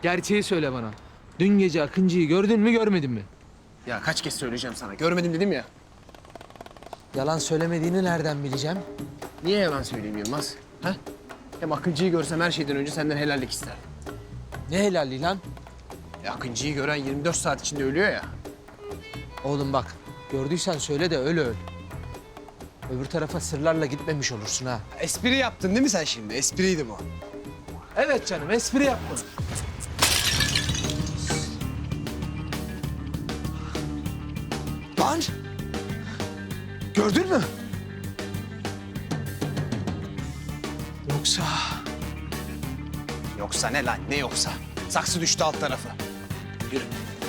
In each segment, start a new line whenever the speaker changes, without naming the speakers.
Gerçeği söyle bana. Dün gece Akıncı'yı gördün mü görmedin mi?
Ya kaç kez söyleyeceğim sana. Görmedim dedim ya.
Yalan söylemediğini nereden bileceğim?
Niye yalan söyleyeyim Yılmaz? Ha? Hem Akıncı'yı görsem her şeyden önce senden helallik isterdim.
Ne helalliği lan?
Akıncı'yı gören 24 saat içinde ölüyor ya.
Oğlum bak, gördüysen söyle de öyle öl. Öbür tarafa sırlarla gitmemiş olursun ha.
Espri yaptın değil mi sen şimdi? Espriydi bu.
Evet canım, espri yapma. Lan! Gördün mü? Yoksa...
Yoksa ne lan? Ne yoksa? Saksı düştü alt tarafı. Yürü.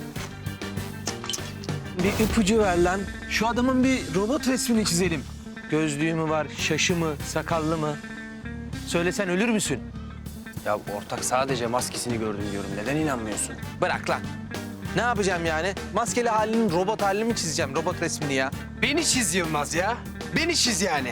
Bir ipucu ver lan. Şu adamın bir robot resmini çizelim. Gözlüğü mü var, şaşı mı, sakallı mı? Söylesen ölür müsün?
Ya ortak sadece maskesini gördüm diyorum. Neden inanmıyorsun?
Bırak lan. Ne yapacağım yani? Maskeli halinin robot halini mi çizeceğim, robot resmini ya?
Beni çiz Yılmaz ya. Beni çiz yani.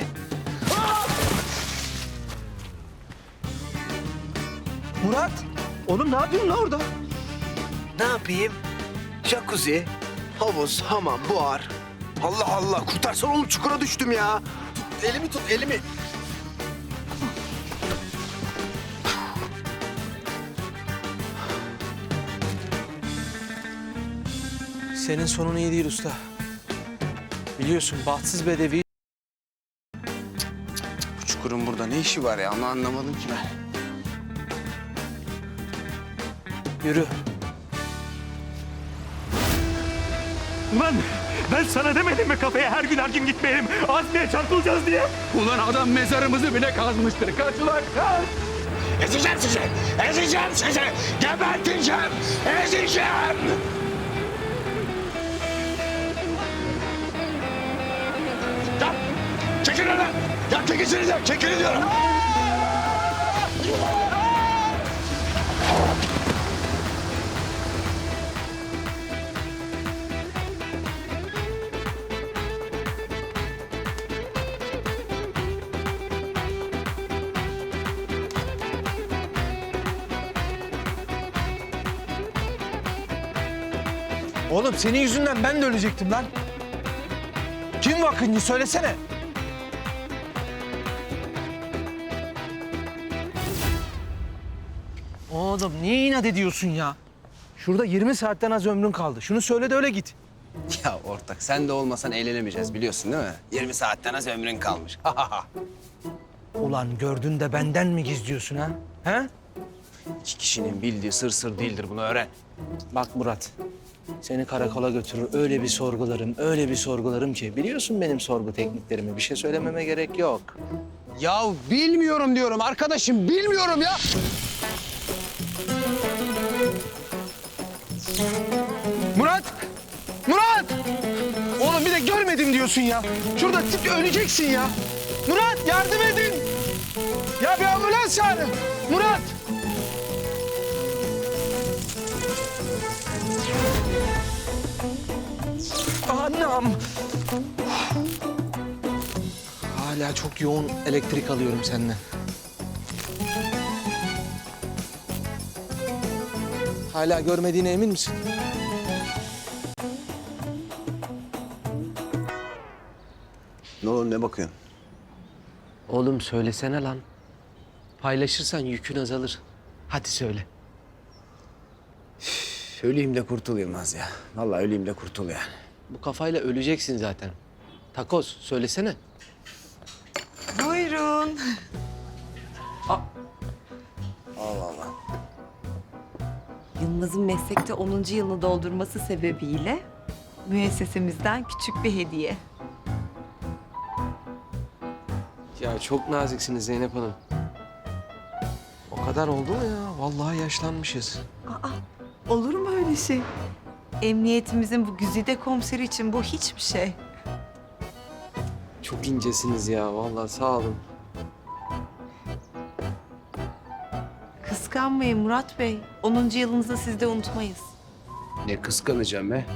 Murat, oğlum ne yapıyorsun lan orada?
Ne yapayım? Jacuzzi, havuz, hamam, buhar. Allah Allah, kurtarsana oğlum, çukura düştüm ya.
Elimi tut, elimi.
Senin sonun iyi değil usta. Biliyorsun bahtsız bedevi.
Bu çukurun burada ne işi var ya? Onu anlamadım ki ben.
Yürü.
Ulan ben sana demedim mi kafeye her gün gitmeyelim. Azmiye çarpılacağız diye.
Ulan adam mezarımızı bile kazmıştır. Kaç ulan kaç!
Ezeceğim sizi. Ezeceğim sizi. Geberteceğim. Ezeceğim. Ya çekilin lan. Ya çekilsinize. Çekilin diyorum.
Oğlum senin yüzünden ben de ölecektim lan. Kim bu Akıncı söylesene. Oğlum niye inat ediyorsun ya? Şurada 20 saatten az ömrün kaldı. Şunu söyle de öyle git.
Ya ortak sen de olmasan eğlenemeyeceğiz biliyorsun değil mi? 20 saatten az ömrün kalmış.
Ulan gördün de benden mi gizliyorsun ha? He?
İki kişinin bildiği sır değildir, bunu öğren.
Bak Murat, seni karakola götürür öyle bir sorgularım ki. Biliyorsun benim sorgu tekniklerimi. Bir şey söylememe gerek yok.
Ya bilmiyorum diyorum arkadaşım, bilmiyorum ya.
Murat! Murat! Oğlum bir de görmedim diyorsun ya. Şurada tip öleceksin ya. Murat yardım edin. Ya bir ambulans çağırın. Murat! Anam! Hala çok yoğun elektrik alıyorum senden. Hala görmediğine emin misin?
Ne olur, ne bakıyorsun?
Oğlum söylesene lan. Paylaşırsan yükün azalır. Hadi söyle.
Öleyim de kurtul Yılmaz ya. Vallahi öleyim de kurtul yani.
Bu kafayla öleceksin zaten. Takoz söylesene.
Buyurun.
Allah Allah.
Yılmaz'ın meslekte 10. yılını doldurması sebebiyle müessesemizden küçük bir hediye.
Ya çok naziksiniz Zeynep Hanım. O kadar oldu mu ya? Vallahi yaşlanmışız.
Aa, olur mu öyle şey? Emniyetimizin bu güzide komiseri için bu hiçbir şey.
Çok incesiniz ya. Vallahi sağ olun.
Kıskanmayın Murat Bey. 10. yılınızı siz de unutmayız.
Ne kıskanacağım be.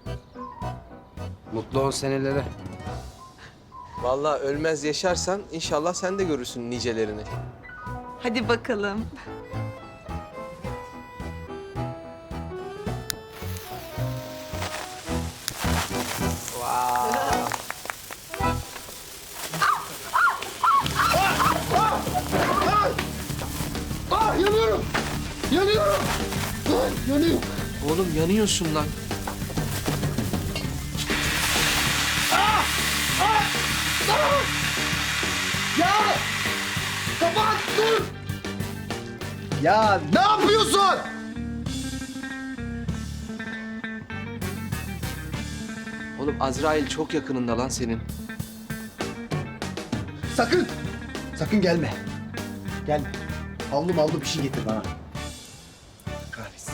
Mutlu ol senelere.
Vallahi ölmez yaşarsan inşallah sen de görürsün nicelerini.
Hadi bakalım.
Yanıyorum. Yanıyorum. Yanıyorum.
Oğlum yanıyorsun lan.
Ya! Kapat dur! Ya ne yapıyorsun?
Oğlum Azrail çok yakınında lan senin.
Sakın! Sakın gelme. Gelme. Havlu bir şey getir bana. Kahretsin.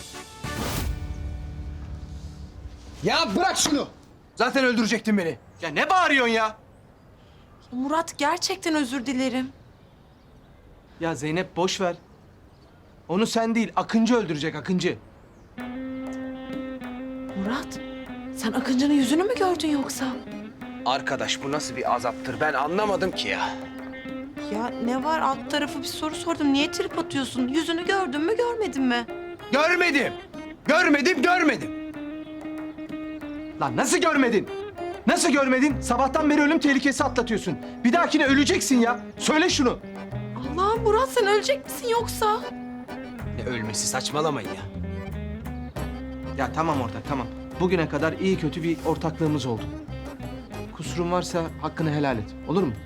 Ya bırak şunu! Zaten öldürecektin beni.
Ya ne bağırıyorsun ya?
Murat gerçekten özür dilerim.
Ya Zeynep boş ver. Onu sen değil, Akıncı öldürecek Akıncı.
Murat, sen Akıncı'nın yüzünü mü gördün yoksa?
Arkadaş bu nasıl bir azaptır ben anlamadım ki ya.
Ya ne var, alt tarafı bir soru sordum. Niye trip atıyorsun? Yüzünü gördün mü görmedin mi?
Görmedim. Görmedim. Lan nasıl görmedin? Nasıl görmedin? Sabahtan beri ölüm tehlikesi atlatıyorsun. Bir dahakine öleceksin ya. Söyle şunu.
Allah'ım Murat, sen ölecek misin yoksa?
Ne ölmesi saçmalamayın ya. Ya tamam orada tamam. Bugüne kadar iyi kötü bir ortaklığımız oldu. Kusurum varsa hakkını helal et. Olur mu?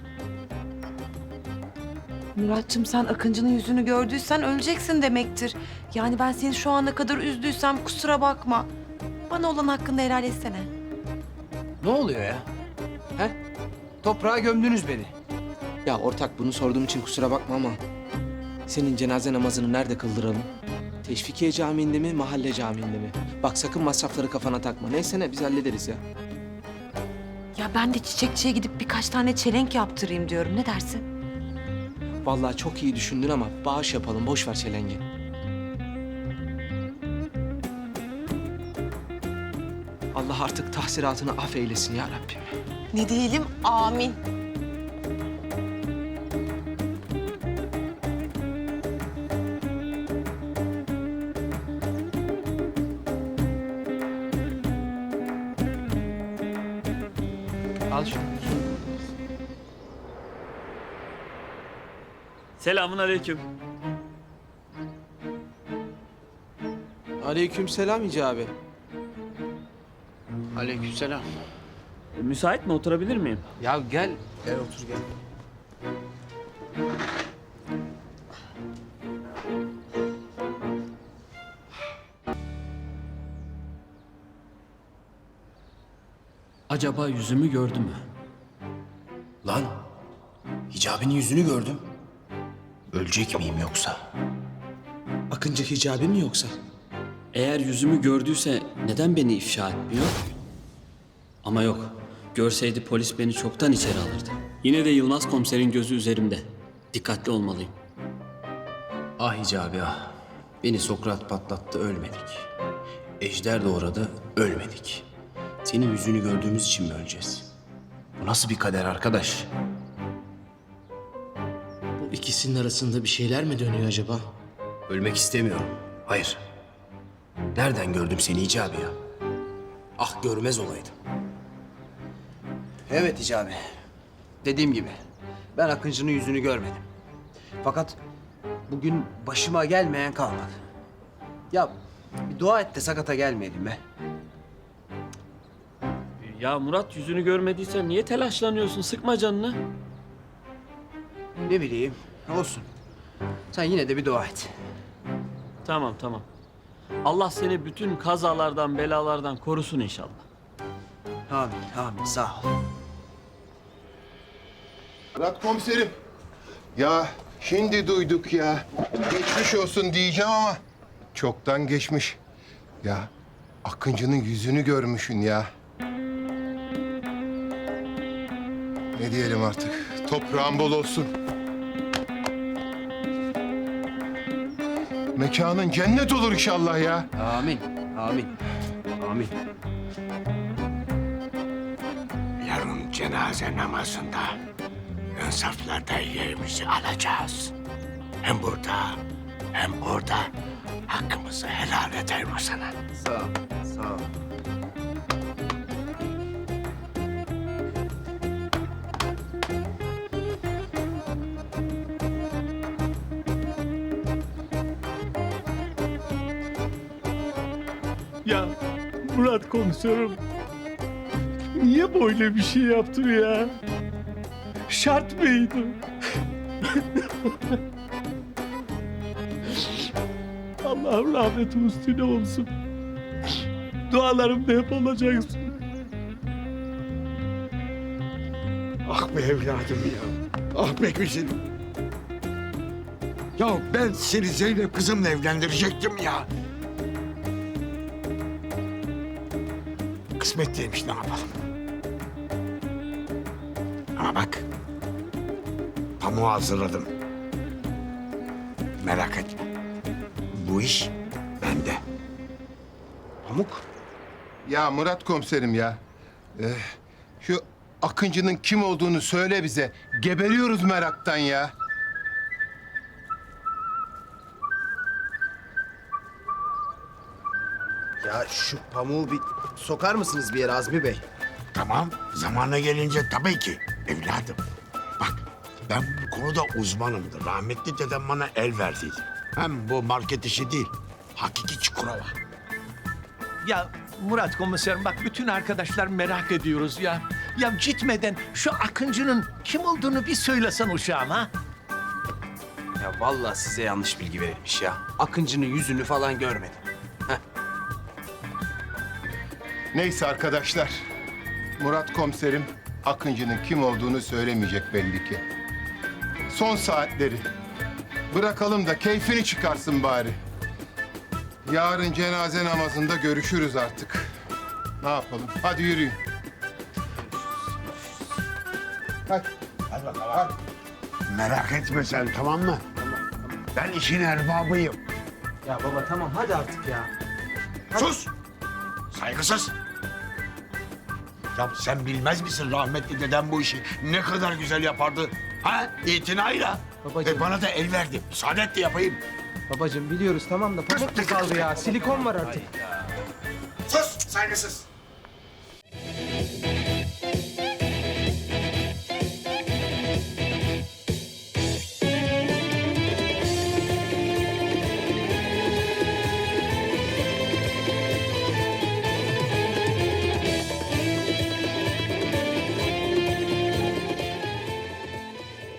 Muratçım, sen Akıncı'nın yüzünü gördüysen öleceksin demektir. Yani ben seni şu ana kadar üzdüysem kusura bakma. Bana olan hakkını helal etsene.
Ne oluyor ya? He? Toprağa gömdünüz beni. Ya ortak bunu sorduğum için kusura bakma ama... ...senin cenaze namazını nerede kıldıralım? Teşvikiye Camii'nde mi, mahalle camiinde mi? Bak sakın masrafları kafana takma. Neyse ne biz hallederiz ya.
Ya ben de çiçekçiye gidip birkaç tane çelenk yaptırayım diyorum. Ne dersin?
Vallahi çok iyi düşündün ama bağış yapalım. Boş ver çelengi. Allah artık tahsiratını affeylesin ya Rabbim.
Ne diyelim? Amin.
Al şunu.
Selamun aleyküm.
Aleykümselam Hicabi.
Aleykümselam.
Müsait mi? Oturabilir miyim?
Ya gel. Gel otur gel.
Acaba yüzümü gördü mü?
Lan, Hicabi'nin yüzünü gördüm. Ölecek miyim yoksa?
Akıncı Hicabi mi yoksa? Eğer yüzümü gördüyse neden beni ifşa etmiyor? Ama yok. Görseydi polis beni çoktan içeri alırdı. Yine de Yılmaz komiserin gözü üzerimde. Dikkatli olmalıyım.
Ah Hicabi ah. Beni Sokrat patlattı, ölmedik. Ejder doğradı, ölmedik. Senin yüzünü gördüğümüz için mi öleceğiz? Bu nasıl bir kader arkadaş?
Bu ikisinin arasında bir şeyler mi dönüyor acaba?
Ölmek istemiyorum. Hayır. Nereden gördüm seni Hicabi ya? Ah görmez olaydım.
Evet Hicabi. Dediğim gibi ben Akıncı'nın yüzünü görmedim. Fakat bugün başıma gelmeyen kalmadı. Ya bir dua et de sakata gelmeyelim be.
Ya Murat, yüzünü görmediysen niye telaşlanıyorsun? Sıkma canını.
Ne bileyim olsun. Sen yine de bir dua et.
Tamam. Allah seni bütün kazalardan, belalardan korusun inşallah.
Amin sağ ol.
Murat komiserim. Ya şimdi duyduk ya. Geçmiş olsun diyeceğim ama çoktan geçmiş. Ya Akıncı'nın yüzünü görmüşsün ya. Ne diyelim artık? Toprağın bol olsun. Mekanın cennet olur inşallah ya.
Amin.
Yarın cenaze namazında ön saflarda yerimizi alacağız. Hem burada hem orada hakkımızı helal eder o sana.
Sağ ol.
Ya Murat komiserim. Niye böyle bir şey yaptın ya? Şart mıydı? Allah'ım rahmeti üstüne olsun. Dualarımda hep olacaksın.
Ah be evladım ya. Ah be güzelim. Ya ben seni Zeynep kızımla evlendirecektim ya. Kısmet değilmiş, ne yapalım. Ama bak. Pamuğu hazırladım. Merak etme. Bu iş bende. Pamuk.
Ya Murat komiserim ya. Şu Akıncı'nın kim olduğunu söyle bize. Geberiyoruz meraktan ya.
Ya şu pamuğu bir sokar mısınız bir yere Azmi Bey?
Tamam, zamanı gelince tabii ki evladım. Bak, ben bu konuda uzmanımdır. Rahmetli dedem bana el verdiydi. Hem bu market işi değil, hakiki Çukurova.
Ya Murat komiserim bak bütün arkadaşlar merak ediyoruz ya. Ya gitmeden şu Akıncı'nın kim olduğunu bir söylesen uşağım ha.
Ya vallahi size yanlış bilgi verilmiş ya. Akıncı'nın yüzünü falan görmedim.
Neyse arkadaşlar. Murat komiserim Akıncı'nın kim olduğunu söylemeyecek belli ki. Son saatleri. Bırakalım da keyfini çıkarsın bari. Yarın cenaze namazında görüşürüz artık. Ne yapalım? Hadi yürüyün. Hadi.
Hadi bakalım. Hadi. Merak etme sen, tamam mı? Ben işin erbabıyım.
Ya baba tamam hadi artık ya.
Sus! Saygısız! Ya sen bilmez misin rahmetli dedem bu işi ne kadar güzel yapardı? Ha? İtinayla.
Babacığım.
Bana da el verdi. Müsaade et de yapayım.
Babacığım biliyoruz tamam da pamuk mu kaldı ya? Silikon var artık.
Sus! Saygısız!